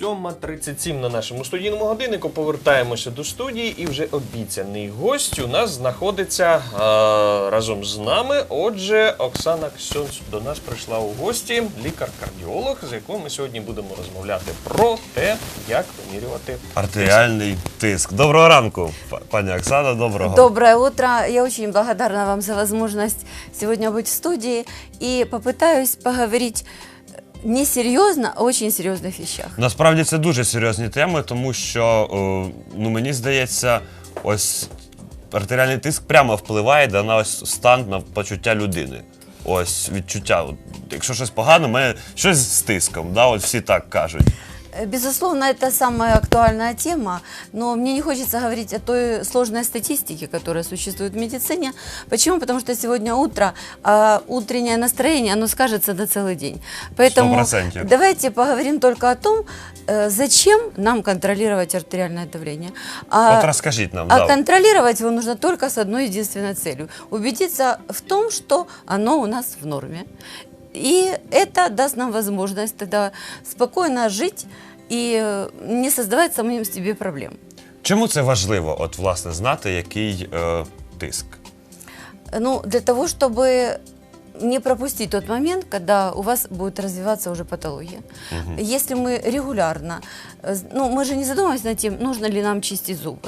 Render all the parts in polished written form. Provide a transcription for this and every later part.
7:37 на нашому студійному годиннику. Повертаємося до студії, і вже обіцяний гость у нас знаходиться разом з нами. Отже, Оксана Ксьонц до нас прийшла у гості, лікар-кардіолог, з якою ми сьогодні будемо розмовляти про те, як вимірювати артеріальний тиск. Доброго ранку, пані Оксана, доброго. Доброе утро. Я очень благодарна вам за возможность сегодня быть в студии и попытаюсь поговорить не серйозно, а очень серйозних вещах. Насправді це дуже серйозні теми, тому що, мені здається, ось артеріальний тиск прямо впливає на ось стан, на почуття людини. Ось відчуття, якщо щось погано, мене щось з тиском, да, от всі так кажуть. Безусловно, это самая актуальная тема, но мне не хочется говорить о той сложной статистике, которая существует в медицине. Почему? Потому что сегодня утро, а утреннее настроение, оно скажется на целый день. Поэтому 100%. давайте поговорим только о том, зачем нам контролировать артериальное давление. Вот расскажите нам. А контролировать его нужно только с одной единственной целью. Убедиться в том, что оно у нас в норме. И это даст нам возможность тогда спокойно жить и не создавать самим себе проблем. Чому це важливо, от, власне, знати, який тиск? Ну, для того, чтобы не пропустить тот момент, когда у вас будет развиваться уже патология. Если мы регулярно, мы же не задумываемся над тем, нужно ли нам чистить зубы.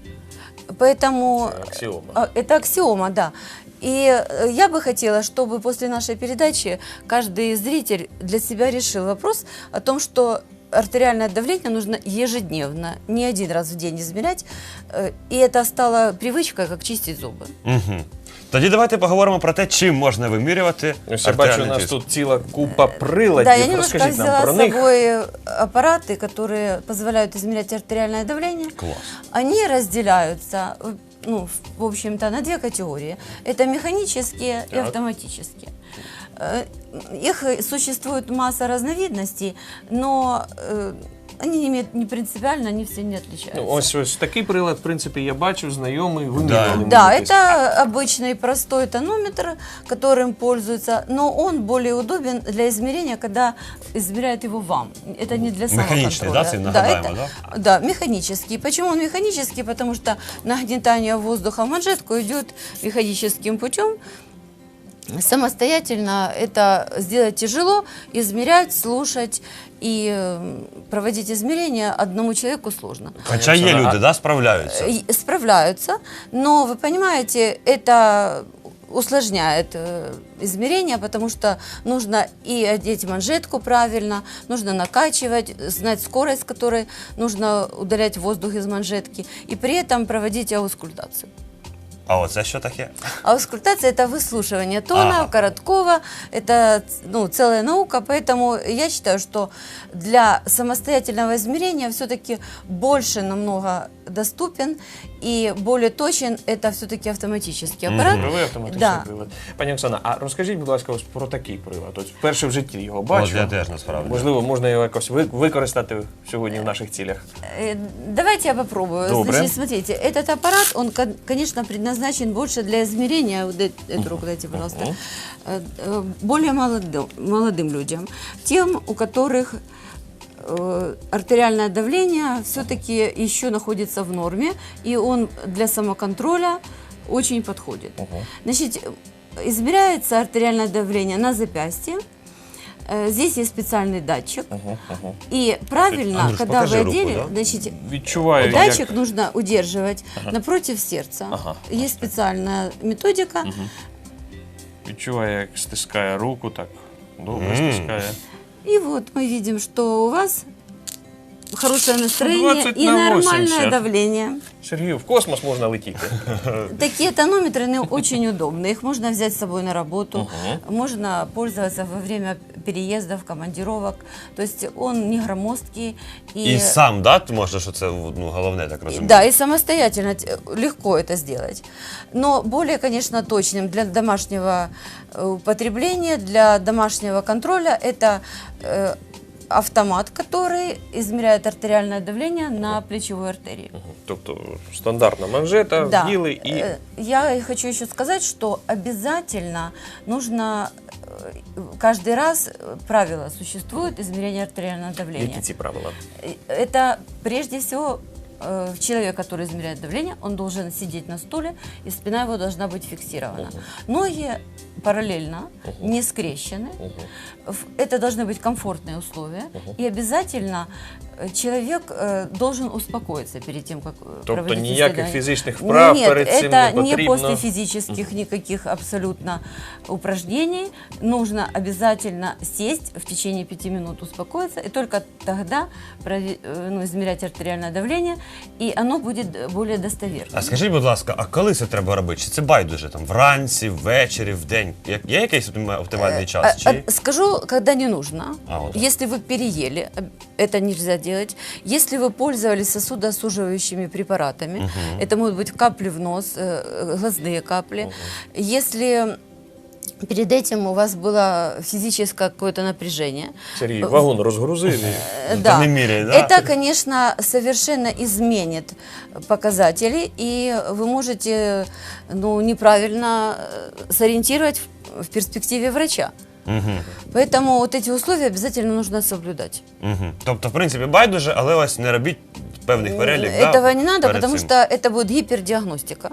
Поэтому аксиома. Это аксиома, да. И я бы хотела, чтобы после нашей передачи каждый зритель для себя решил вопрос о том, что артериальное давление нужно ежедневно, не один раз в день измерять, и это стало привычкой, как чистить зубы. Угу. Тоді давайте поговоримо про те, чим можна вимірювати ось я бачу, у нас тут ціла купа приладів. Да, я немножко Розкажіть нам взяла про с них. собой аппараты, которые позволяют измерять артериальное давление. Класс. Они разделяются, в общем-то, на две категории. Это механические и Так. автоматические. Их существует масса разновидностей, но они не принципиально, они все не отличаются. Ось такий прилад, в принципі, я бачу, знайомий, вимірювали. Да, это обычный простой тонометр, которым пользуются, но он более удобен для измерения, когда измеряют его вам. Это не для самоконтроля. Механичный, да, нагадаемо, да? Да, механический. Почему он механический? Потому что нагнетание воздуха в манжетку идет механическим путем. Самостоятельно это сделать тяжело, измерять, слушать и проводить измерения одному человеку сложно. Хоча є люди, да, справляються? Справляются, но вы понимаете, это усложняет измерения, потому что нужно и одеть манжетку правильно, нужно накачивать, знать скорость, с которой нужно удалять воздух из манжетки, и при этом проводить аускультацию. А оце що таке? Аускультация – это выслушивание тона, короткого, это целая наука, поэтому я считаю, что для самостоятельного измерения все-таки больше намного доступен и более точен это все-таки автоматический аппарат. Правий автоматичний прилад. Пані Оксана, а розкажіть, будь ласка, ось про такий прилад. Ось вперше в житті його бачу. От я теж, насправді. Можливо, можна його якось використати сьогодні в наших цілях. Давайте я попробую. Добре. Значит, смотрите, этот аппарат, он, конечно, предназначен больше для измерения, вот эту руку дайте, пожалуйста, более молодым людям, тем, у которых артериальное давление все-таки еще находится в норме, и он для самоконтроля очень подходит. Значит, измеряется артериальное давление на запястье. Здесь есть специальный датчик. И правильно, Андрюш, когда вы покажи руку, одели, да? значит, Відчуваю, датчик як... нужно удерживать напротив сердца. Есть специальная методика. Відчуваю, як стискає руку, так добре стискає. И вот мы видим, что у вас хорошее настроение 20 и на нормальное 80. давление. Сергію, в космос можна летіти. Такие тонометры они очень удобны. Их можно взять с собой на работу, можно пользоваться во время переездов, командировок. То есть он не громоздкий. І сам, да, можна, що це головне, так розумію? Да, и самостоятельно легко это сделать. Но более, конечно, точным для домашнего употребления, для домашнего контроля это автомат, который измеряет артериальное давление на плечевой артерии. Тобто стандартна манжета, Да. вділи і... Я хочу еще сказать, что обязательно нужно каждый раз правило существует измерения артериального давления. Які ці правила? Это прежде всего человек, который измеряет давление, он должен сидеть на стуле, и спина его должна быть фиксирована. Ноги параллельно, не скрещены. Это должны быть комфортные условия. И обязательно человек должен успокоиться перед тем, как Тобто проводить ніяких исследование. фізичних вправ Нет, перед цим не это не потрібно? после физических никаких абсолютно упражнений. Нужно обязательно сесть в течение 5 минут, успокоиться, и только тогда измерять артериальное давление, и оно будет более достоверно. А скажіть, будь ласка, а коли це треба робити? Чи це байдуже? Там вранці, ввечері, вдень? Є якийсь оптимальний час? Чи... Скажу, когда не нужно. Вот. Если вы переели, это нельзя делать. Если вы пользовались сосудосуживающими препаратами, это могут быть капли в нос, глазные капли. Если перед этим у вас было физическое какое-то напряжение. Сергій, вагон розгрузив. Да. не меряй, да? Это, конечно, совершенно изменит показатели, и вы можете неправильно сориентировать в перспективе врача. Поэтому вот эти условия обязательно нужно соблюдать. Тобто, в принципі, байдуже, але ось не робіть певних перелік. Этого не надо, потому что это будет гипердиагностика.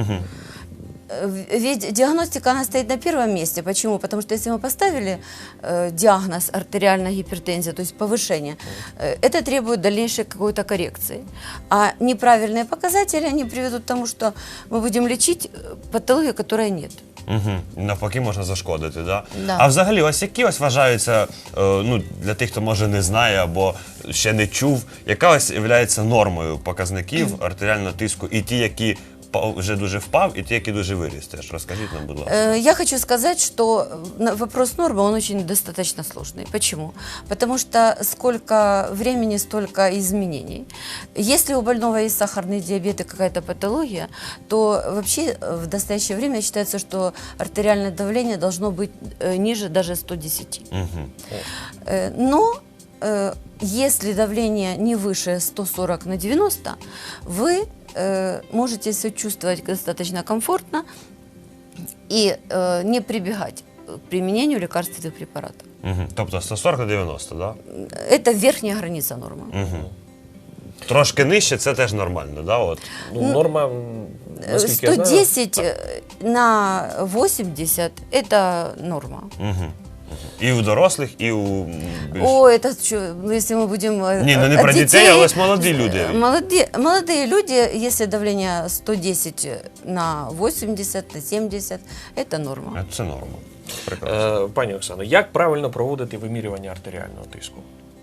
Ведь диагностика, она стоит на первом месте. Почему? Потому что если мы поставили диагноз артериальная гипертензия, то есть повышение, это требует дальнейшей какой-то коррекции. А неправильные показатели, они приведут к тому, что мы будем лечить патологию, которой нет. Навпаки, можна зашкодити, да? Да. А взагалі, ось які ось вважаються, для тих, хто може не знає або ще не чув, яка ось є нормою показників артеріального тиску, і ті, які вже дуже впав, і ті, які дуже виріс теж? Розкажіть нам, будь ласка. Я хочу сказать, что вопрос нормы, он очень достаточно сложный. Почему? Потому что сколько времени, столько изменений. Если у больного есть сахарный диабет и какая-то патология, то вообще в настоящее время считается, что артериальное давление должно быть ниже даже 110. Но если давление не выше 140 на 90, вы можете себя чувствовать достаточно комфортно и не прибегать к применению лекарственных препаратов. Тобто 140 на 90, да? Это верхняя граница нормы. Трошки нижче це теж нормально, да? От. Норма, наскільки я знаю... 110 на 80 – это норма. І у дорослих, і у... Это что, если мы будем... Ні, не про дітей, але ось молоді люди. Молодые люди, если давление 110 на 80, на 70, это норма. Це норма. Прекрасно. Пані Оксано, як правильно проводити вимірювання артеріального тиску?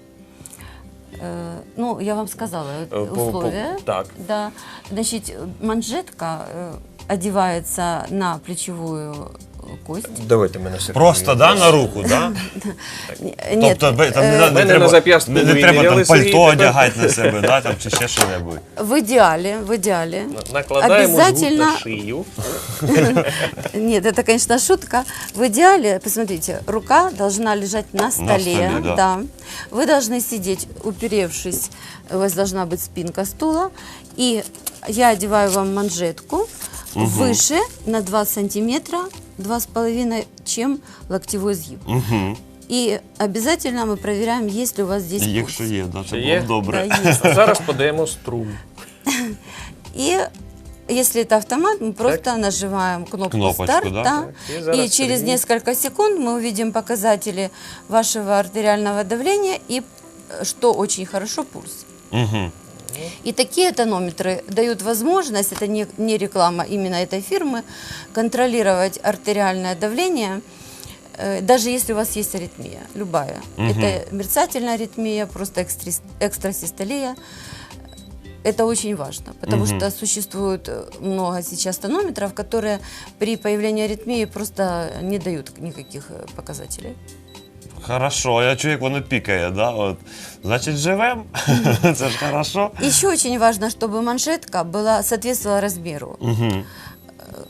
Я вам сказала условия. Так. Да. Значит, манжетка одевается на плечевую кость. Давайте мене Сергій. Просто, да, на руку, да? Нет, Тобто там мене на зап'ястку не треба виміряли, там Сергій, пальто тепер- одягати на себе, да, там, чи ще що-небудь. в идеале. Накладаємо жгут Обязательно- на шию. Нет, это, конечно, шутка. В идеале, посмотрите, рука должна лежать на столе. столе, да. Вы должны сидеть, уперевшись, у вас должна быть спинка стула. И я одеваю вам манжетку выше на 2 сантиметра, 2,5, чем локтевой сгиб. И обязательно мы проверяем, есть ли у вас здесь пульс. Якщо є, да, це Є? було б добре. Да, есть. А зараз подаємо струм. И если это автомат, мы просто нажимаем кнопку Кнопочку, «Старт», да? да, И зараз и через Сергей. несколько секунд мы увидим показатели вашего артериального давления и, что очень хорошо, пульс. И такие тонометры дают возможность, это не реклама именно этой фирмы, контролировать артериальное давление, даже если у вас есть аритмия, любая. Это мерцательная аритмия, просто экстрасистолия. Это очень важно, потому что существует много сейчас тонометров, которые при появлении аритмии просто не дают никаких показателей. Хорошо, я чую, як воно пікає, да? От. Значить, живем. Це ж хорошо. Еще очень важно, чтобы манжетка соответствовала размеру.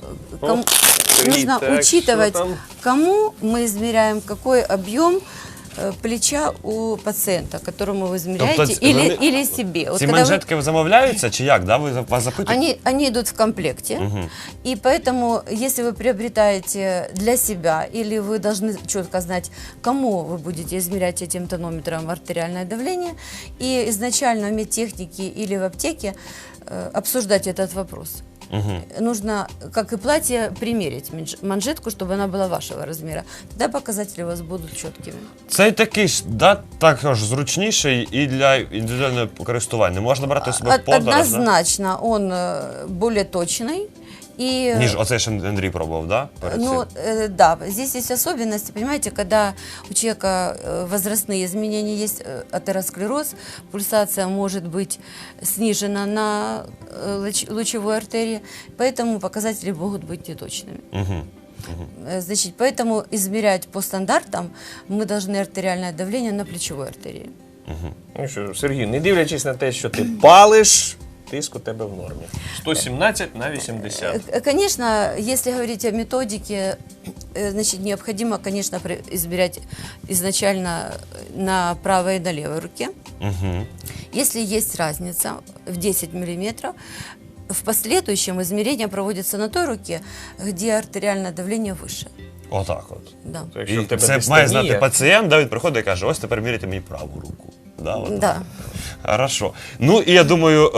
Сергій, Нужно так, учитывать, що там? кому мы измеряем какой объем плеча у пациента, которому вы измеряете, Тобто или себе. Вот Ці когда вы- манжетки замовляються чи як? Да? Ви вас запитуєте? Они идут в комплекте, и поэтому, если вы приобретаете для себя, или вы должны четко знать, кому вы будете измерять этим тонометром артериальное давление, и изначально в медтехнике или в аптеке обсуждать этот вопрос. Нужно, как и платье, примерить манжетку, чтобы она была вашего размера. Тогда показатели у вас будут четкими. Цей такий ж, да, також зручніший і для індивідуального користування. Можна брати себе в подорож, да? Однозначно, он более точный. И, Ніж оцей, що Андрій пробував, да? перед ну, цим? да, здесь есть особенности, понимаете, когда у человека возрастные изменения есть, атеросклероз, пульсация может быть снижена на лучевой артерии, поэтому показатели могут быть неточными. Значит, поэтому измерять по стандартам мы должны артериальное давление на плечевой артерии. Ну що, Сергій, не дивлячись на те, що ти палиш, тиск у тебе в нормі. 117/80. Конечно, если говорить о методике, значит, необходимо, конечно, измерять изначально на правой и на левой руке. Если есть разница в 10 миллиметров, в последующем измерение проводится на той руке, где артериальное давление выше. Отак от. Да. То якщо І в тебе це дистонія, має знати пацієнт, да, він приходить і каже, ось тепер міряйте мені праву руку. Да, от. Да. Хорошо. Ну і я думаю,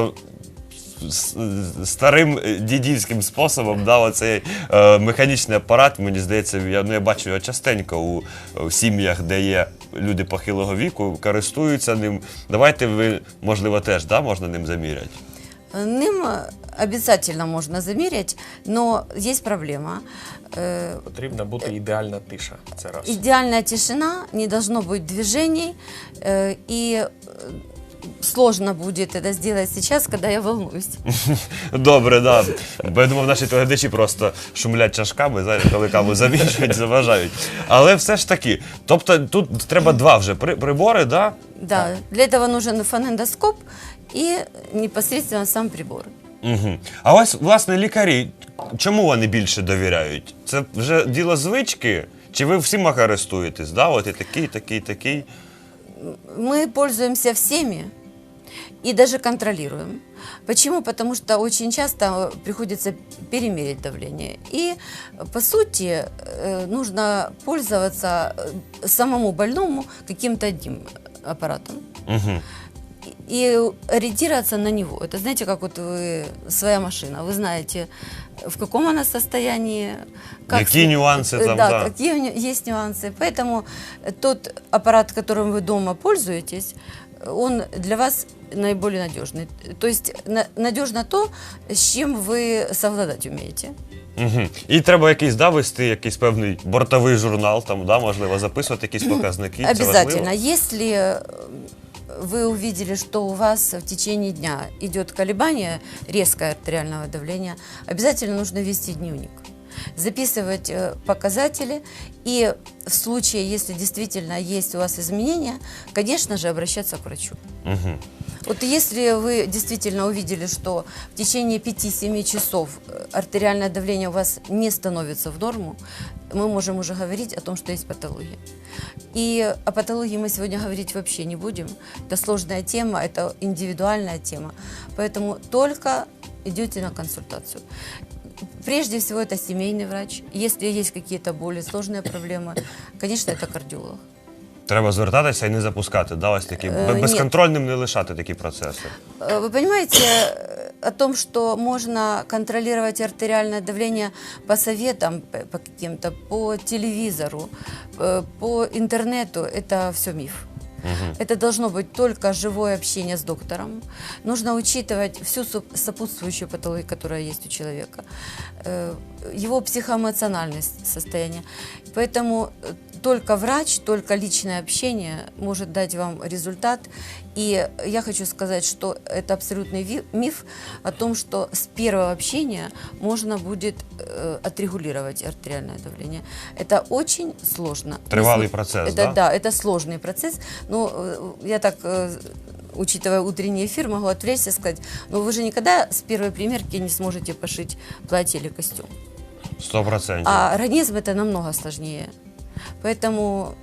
старим дідівським способом, да, оцей механічний апарат, мені здається, я бачу його частенько у сім'ях, де є люди похилого віку, користуються ним. Давайте ви, можливо, теж, да, можна ним заміряти? Ним обязательно можно замерить, но есть проблема. потрібна бути ідеальна тиша. Це раз. Идеальная тишина, не должно быть движений, и сложно будет это сделать сейчас, когда я волнуюсь. Добре, да. Бо я думав, наші глядачі просто шумлять чашками, зараз, коли каву замішують, заважають. Але все ж таки, тобто тут треба два вже прибори, да? Да, для этого нужен фонендоскоп и непосредственно сам прибор. Угу. А ось, власне, лікарі, чому вони більше довіряють? Це вже діло звички? Чи ви всіма користуєтесь, да? От і такий, такий, такий? Мы пользуемся всеми и даже контролируем. Почему? Потому что очень часто приходится перемерить давление. И, по сути, нужно пользоваться самому больному каким-то одним аппаратом. Угу. И ориентироваться на него. Это, знаете, как вот вы, своя машина. Вы знаете, в каком она состоянии. Какие нюансы там, да. какие есть нюансы. Поэтому тот аппарат, которым вы дома пользуетесь, он для вас наиболее надежный. То есть надежно то, с чем вы совладать умеете. Угу. І треба якийсь, да, вести якийсь певний бортовий журнал, там, да, можливо, записувати якісь показники. Це Обязательно. важливо? Если вы увидели, что у вас в течение дня идет колебание резкое артериального давления, обязательно нужно вести дневник, записывать показатели и в случае, если действительно есть у вас изменения, конечно же, обращаться к врачу. Угу. Вот если вы действительно увидели, что в течение 5-7 часов артериальное давление у вас не становится в норму, мы можем уже говорить о том, что есть патология. И о патологии мы сегодня говорить вообще не будем. Это сложная тема, это индивидуальная тема. Поэтому только идете на консультацию. Прежде всего это семейный врач. Если есть какие-то более сложные проблемы, конечно, это кардиолог. Треба звертатися і не запускати, да, ось такі, Ні. безконтрольним не лишати такі процеси. Вы понимаете о том, что можно контролировать артериальное давление по советам, по каким-то, по телевизору, по интернету, это все миф. Это должно быть только живое общение с доктором. Нужно учитывать всю сопутствующую патологию, которая есть у человека, его психоэмоциональное состояние. Поэтому только врач, только личное общение может дать вам результат. И я хочу сказать, что это абсолютный миф о том, что с первого общения можно будет отрегулировать артериальное давление. Это очень сложно. Тривалый процесс, да? Да, это сложный процесс. Но я так, учитывая утренний эфир, могу отвлечься и сказать, но вы же никогда с первой примерки не сможете пошить платье или костюм. 100%. А организм это намного сложнее. Поэтому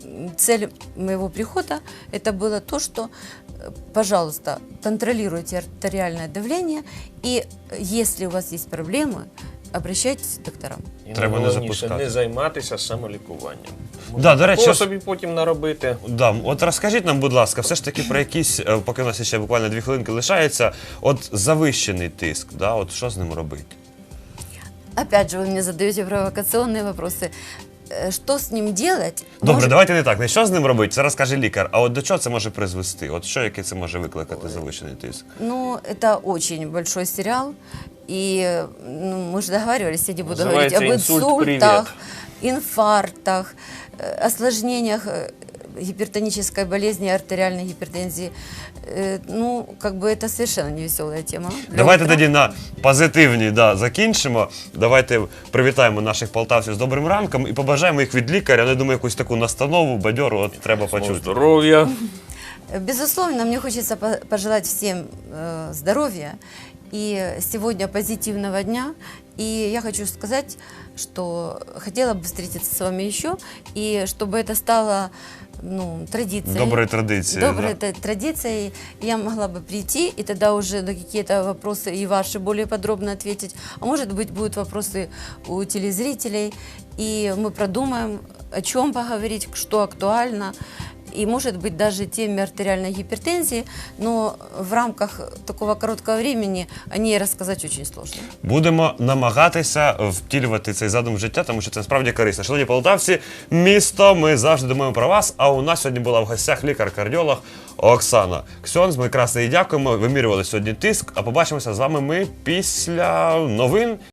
цель моего прихода это было то, что, пожалуйста, контролируйте артериальное давление, и если у вас есть проблемы, обращайтесь к докторам. І Треба не найголовніше, запускати. не займатися самолікуванням. Да, до речі, Такого ось- собі потім наробити. Да, от розкажіть нам, будь ласка, все ж таки про якісь, поки у нас ще буквально 2 хвилинки лишається, от завищений тиск, да, от що з ним робити? Опять же, вы мне задаете провокационные вопросы. Что с ним делать? Добре, Может- давайте не так. Не що з ним робити, це розкаже лікар. А от до чого це може призвести? От що, яке це може викликати завищений тиск? Ну, это очень большой сериал. И ну, мы же договаривались, я не буду говорить Называется об «Инсульт, инсультах, инфарктах, осложнениях гипертонической болезни, артериальной гипертензии. Ну, как бы это совершенно не веселая тема. Для Давайте утра. тоді на позитивній закінчимо. Давайте привітаємо наших полтавців з добрим ранком і побажаємо їх від лікаря. Ну, я думаю, якусь таку настанову, бадьору, от треба почути. Здоров'я. Безусловно, мне хочется пожелать всем здоровья и сегодня позитивного дня. И я хочу сказать, что хотела бы встретиться с вами еще, и чтобы это стало традицией. Доброй традицией, Доброй традицией. Я могла бы прийти, и тогда уже на какие-то вопросы и ваши более подробно ответить. А может быть, будут вопросы у телезрителей, и мы продумаем, о чем поговорить, что актуально. И, может быть, даже теме артериальной гипертензии, но в рамках такого короткого времени о ней рассказать очень сложно. Будемо намагатися втілювати цей задум в життя, тому що це насправді корисно. Шановні полтавці, місто, ми завжди думаємо про вас. А у нас сьогодні була в гостях лікар-кардіолог Оксана Ксьонц. Ми красно їй дякуємо. Вимірювали сьогодні тиск. А побачимося з вами ми після новин.